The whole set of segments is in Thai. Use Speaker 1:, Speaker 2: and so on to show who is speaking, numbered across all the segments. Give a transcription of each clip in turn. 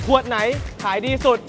Speaker 1: ขวดไหนขายดีสุด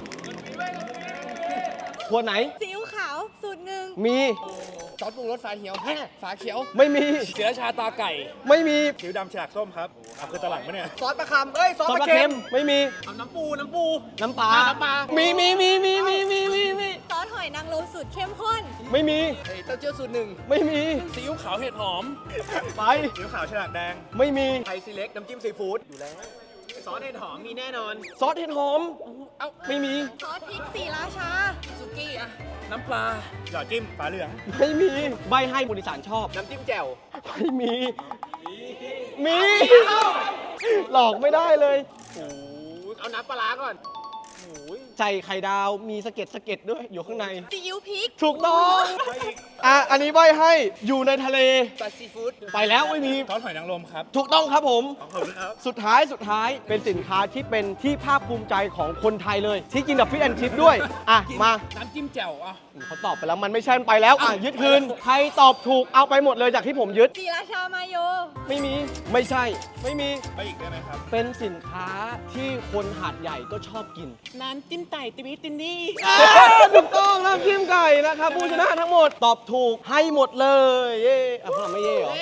Speaker 1: ขวดไหน
Speaker 2: ซีอิ๊วขาวสูตรหนึ่ง
Speaker 1: มี
Speaker 3: ซอสปรุงรสฝาเขียวฝาเขียว
Speaker 1: ไม่มี
Speaker 3: เสือชาตาไก่
Speaker 1: ไม่มี
Speaker 3: ผิวดำฉลากส้มครับคือตลาดปะเนี่ย
Speaker 4: ซอสปลาคำเอ้ย ซอส
Speaker 1: ซอส
Speaker 4: ป
Speaker 1: ป
Speaker 4: ลา
Speaker 1: ลา
Speaker 4: เค็
Speaker 1: เค็
Speaker 4: ม
Speaker 1: มไม่มี
Speaker 4: เอาน้ำปู
Speaker 1: น้ำปลา
Speaker 4: น้ำปลา
Speaker 1: มี
Speaker 2: ซอสหอยนางรมสูตรเข้มข้น
Speaker 1: ไม่มี
Speaker 4: เต้าเจี้ยวสูตรหนึ่ง
Speaker 1: ไม่มี
Speaker 3: ซีอิ๊วขาวเห็ดหอม
Speaker 1: ไป
Speaker 3: ซีอิ๊วขาวฉลากแดง
Speaker 1: ไม่มี
Speaker 4: ไทยซีเล็กน้ำจิ้มซีฟู้ดอยู่แล้ว ซอสเห็ดหอมมีแน่นอน
Speaker 1: ซอสเห็ดหอมไม่มี
Speaker 2: ซอสพริกสีราชา
Speaker 4: ซุกี้อะ
Speaker 3: น้ำปลาหยอดจิ้มฝาเหลือง
Speaker 1: ไม่มีใบให้บุริสารชอบ
Speaker 4: น้ำจิ้มแจ่ว
Speaker 1: ไม่มี มี หลอกไม่ได้เลย
Speaker 4: เอาน้ำปลาร้าก่อน
Speaker 1: ใส่ไข่ดาวมีสะเก็ดด้วยอยู่ข้างใน
Speaker 2: ซีอิ๊วพริก
Speaker 1: ถูกต้องอันนี้ใบให้อยู่ในทะเล
Speaker 4: ซอสซีฟู้ด
Speaker 1: ไปแล้วไม่มี
Speaker 3: ซอสหอยนางรมครับ
Speaker 1: ถูกต้องครับผม
Speaker 3: ขอบคุณครับ
Speaker 1: สุดท้ายเป็นสินค้าที่เป็นที่ภาคภูมิใจของคนไทยเลย ที่กินกับฟิชแอนชิพด้วย มา
Speaker 3: น้ำจิ้มแจ่วอ่ะ
Speaker 1: เขาตอบไปแล้วมันไม่ใช่ไปแล้วยึดคืนใครตอบถูกเอาไปหมดเลยจากที่ผมยึด
Speaker 2: สีราชามาโย
Speaker 1: ไม่มีไม่ใช่ไม่มี
Speaker 3: ไปอีกได้ไหมครับ
Speaker 1: เป็นสินค้าที่คนหาดใหญ่ก็ชอบกิน
Speaker 3: น้ำจิ้มไก่ติวิตินนี่
Speaker 1: ถูกต้องน้ำจิ้มไก่นะครับผู้ชนะทั้งหมดตอบถูกให้หมดเลยเย่พวกเราไม่เย่เหรอ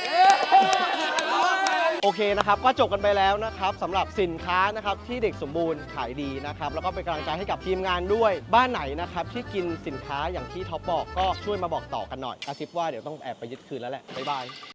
Speaker 1: โอเคนะครับก็จบกันไปแล้วนะครับสำหรับสินค้านะครับที่เด็กสมบูรณ์ขายดีนะครับแล้วก็เป็นกำลังใจให้กับทีมงานด้วยบ้านไหนนะครับที่กินสินค้าอย่างที่ท็อปบอกก็ช่วยมาบอกต่อกันหน่อยกระซิบว่าเดี๋ยวต้องแอบไปยึดคืนแล้วแหละบ๊ายบาย